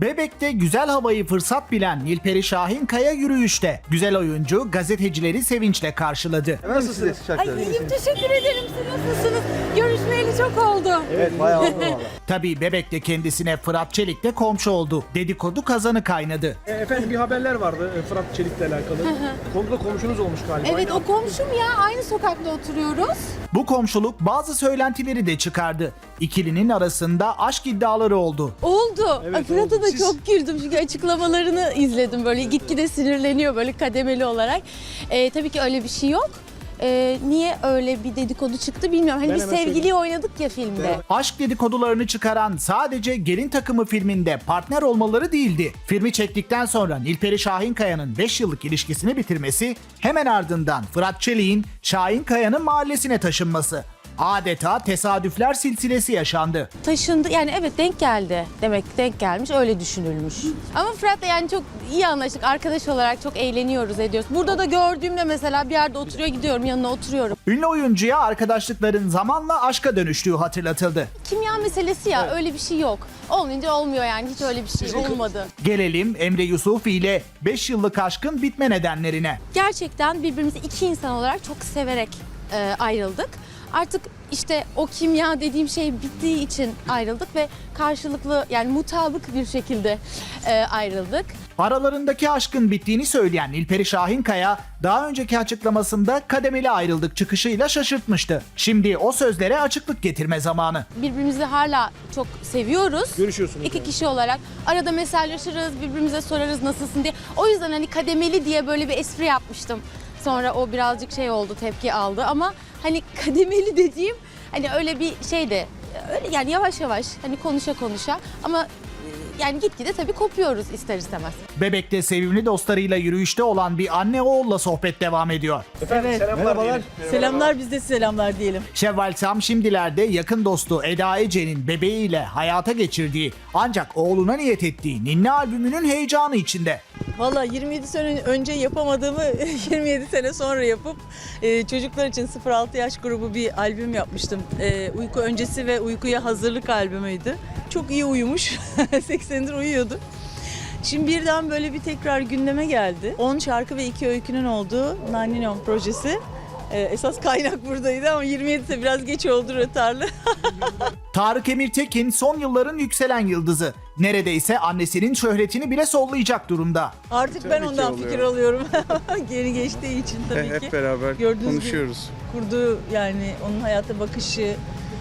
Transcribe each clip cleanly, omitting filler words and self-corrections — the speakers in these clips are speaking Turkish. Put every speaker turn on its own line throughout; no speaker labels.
Bebek'te güzel havayı fırsat bilen Nilperi Şahinkaya yürüyüşte. Güzel oyuncu gazetecileri sevinçle karşıladı.
Nasılsınız?
Ay iyiyim, teşekkür ederim. Siz nasılsınız? Görüşmeyeli çok oldu.
Evet, bayağı oldu valla.
Tabii Bebek'te kendisine Fırat Çelik de komşu oldu. Dedikodu kazanı kaynadı.
Efendim bir haberler vardı Fırat Çelik'le alakalı. Komşuda komşunuz olmuş galiba.
Evet, o komşum ya. Aynı sokakta oturuyoruz.
Bu komşuluk bazı söylentileri de çıkardı. İkilinin arasında aşk iddiaları oldu.
Oldu.
Evet,
Ay, Fırat'a
oldu.
da
Siz-
çok güldüm çünkü açıklamalarını izledim. Böyle gitgide sinirleniyor böyle kademeli olarak. Tabii ki öyle bir şey yok. Niye öyle bir dedikodu çıktı bilmiyorum. Hani
Ben
biz
hemen
sevgiliyi oynadık ya filmde.
Aşk dedikodularını çıkaran sadece Gelin Takımı filminde partner olmaları değildi. Filmi çektikten sonra Nilperi Şahinkaya'nın 5 yıllık ilişkisini bitirmesi, hemen ardından Fırat Çelik'in Şahinkaya'nın mahallesine taşınması. Adeta tesadüfler silsilesi yaşandı.
Taşındı yani, evet, denk geldi. Demek ki denk gelmiş, öyle düşünülmüş. Ama Fırat'la yani çok iyi anlaştık. Arkadaş olarak çok eğleniyoruz, ediyoruz. Burada da gördüğümde mesela bir yerde oturuyor, gidiyorum yanına oturuyorum.
Ünlü oyuncuya arkadaşlıkların zamanla aşka dönüştüğü hatırlatıldı.
Kimya meselesi ya, öyle bir şey yok. Olmayınca olmuyor yani, hiç öyle bir şey olmadı.
Gelelim Emre Yusufi ile 5 yıllık aşkın bitme nedenlerine.
Gerçekten birbirimizi iki insan olarak çok severek ayrıldık. Artık işte o kimya dediğim şey bittiği için ayrıldık ve karşılıklı yani mutabık bir şekilde ayrıldık.
Aralarındaki aşkın bittiğini söyleyen Nilperi Şahinkaya daha önceki açıklamasında kademeli ayrıldık çıkışıyla şaşırtmıştı. Şimdi o sözlere açıklık getirme zamanı.
Birbirimizi hala çok seviyoruz.
Görüşüyorsunuz
İki
yani.
kişi olarak. Arada mesajlaşırız, birbirimize sorarız nasılsın diye. O yüzden hani kademeli diye böyle bir espri yapmıştım. Sonra o birazcık şey oldu, tepki aldı ama hani kademeli dediğim hani öyle bir şey de öyle yani yavaş yavaş hani konuşa konuşa ama yani gitgide tabii kopuyoruz ister istemez.
Bebek'te sevimli dostlarıyla yürüyüşte olan bir anne oğulla sohbet devam ediyor.
Efendim
Evet.
selamlar.
Merhabalar.
diyelim.
Selamlar, biz de selamlar diyelim.
Şevval Sam şimdilerde yakın dostu Eda Ece'nin bebeğiyle hayata geçirdiği ancak oğluna niyet ettiği Ninni albümünün heyecanı içinde.
Valla 27 sene önce yapamadığımı 27 sene sonra yapıp çocuklar için 0-6 yaş grubu bir albüm yapmıştım. Uyku öncesi ve uykuya hazırlık albümüydü. Çok iyi uyumuş. 80'dir uyuyordu. Şimdi birden böyle bir tekrar gündeme geldi. 10 şarkı ve 2 öykünün olduğu Nanninon projesi. Esas kaynak buradaydı ama 27 de biraz geç oldu, rötarlı.
Tarık Emirtekin son yılların yükselen yıldızı. Neredeyse annesinin şöhretini bile sollayacak durumda.
Artık ben
Tabii ki
ondan
oluyor.
fikir alıyorum. Geri geçtiği için tabii ki.
Hep beraber
Gördüğünüz
konuşuyoruz.
Kurduğu yani onun hayata bakışı.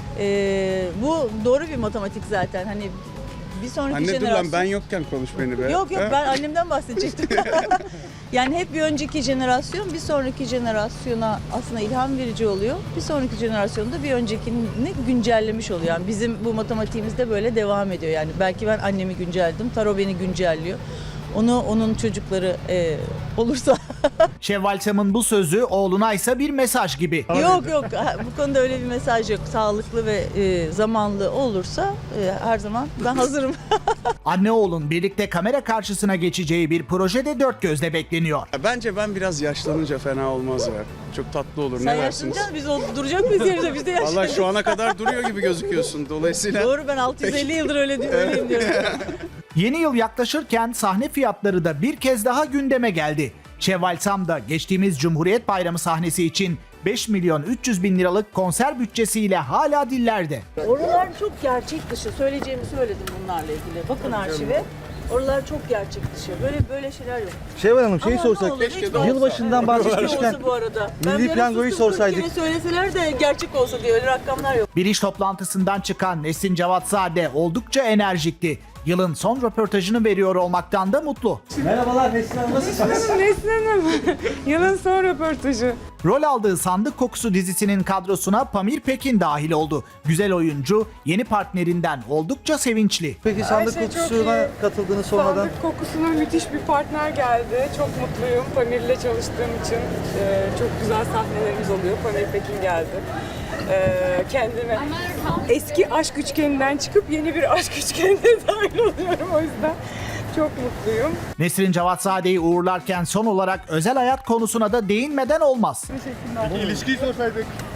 Bu doğru bir matematik zaten. Hani bir sonraki
Anne dur
jenerasyon...
lan, ben yokken konuş beni be.
Yok
Ha?
ben annemden bahsedecektim. Yani hep bir önceki jenerasyon bir sonraki jenerasyona aslında ilham verici oluyor. Bir sonraki jenerasyonda bir öncekini güncellemiş oluyor. Yani bizim bu matematiğimiz de böyle devam ediyor. Yani belki ben annemi güncelledim, Taro beni güncelliyor. Onun çocukları olursa...
Şevval Sam'ın bu sözü oğluna ise bir mesaj gibi.
Yok bu konuda öyle bir mesaj yok. Sağlıklı ve zamanlı olursa her zaman ben hazırım.
Anne oğlun birlikte kamera karşısına geçeceği bir projede dört gözle bekleniyor.
Bence ben biraz yaşlanınca fena olmaz ya. Çok tatlı olur.
Sen
Ne dersiniz?
yaşlanacaksın, biz duracak mıyız yerinde? Biz de yaşlanacağız.
Vallahi şu ana kadar duruyor gibi gözüküyorsun. Dolayısıyla
Doğru, ben 650 yıldır öyleyim diyorum.
Yeni yıl yaklaşırken sahne fiyatları da bir kez daha gündeme geldi. Şevval Sam da geçtiğimiz Cumhuriyet Bayramı sahnesi için 5 milyon 300 bin liralık konser bütçesiyle hala dillerde.
Oralar çok gerçek dışı. Söyleyeceğimi söyledim bunlarla ilgili. Bakın arşive. Oralar çok gerçek dışı. Böyle şeyler yok.
Şevval Hanım şeyi
Ama ne
sorsak,
olur, hiç olsa.
yılbaşından bahsetmişken
Keşke olsa bu arada.
Milli
Ben
Piyango'yu
böyle sustum,
sorsaydık.
40 kere söyleseler de gerçek olsa diye öyle rakamlar yok.
Bir iş toplantısından çıkan Nesin Cavatzade oldukça enerjikti. Yılın son röportajını veriyor olmaktan da mutlu.
merhabalar Neslihan Hanım, nasılsınız?
Neslihan'ım. Yılın son röportajı.
Rol aldığı Sandık Kokusu dizisinin kadrosuna Pamir Pekin dahil oldu. Güzel oyuncu yeni partnerinden oldukça sevinçli.
Peki sandık
şey çok
kokusuna
iyi.
katıldığını sormadan.
Sandık kokusuna müthiş bir partner geldi. Çok mutluyum Pamir'le çalıştığım için. Çok güzel sahnelerimiz oluyor. Pamir Pekin geldi. Kendime eski aşk üçgeninden çıkıp yeni bir aşk üçgenine dahil oluyorum o yüzden. Çok mutluyum.
Nesrin Cavatzade'yi uğurlarken son olarak özel hayat konusuna da değinmeden olmaz.
Teşekkürler.
İlişkiyi sorsaydık.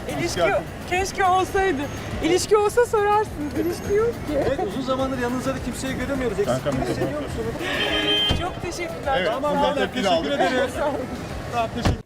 İlişki keşke olsaydı. İlişki olsa sorarsınız. İlişki yok ki.
Evet, uzun zamandır yanınızda da kimseyi göremiyoruz. Eksikliğini hissediyor musunuz?
Çok teşekkürler.
Evet,
Tamam,
buradan
hala
tepkini
teşekkür
aldık.
ederiz. Tamam, teşekkür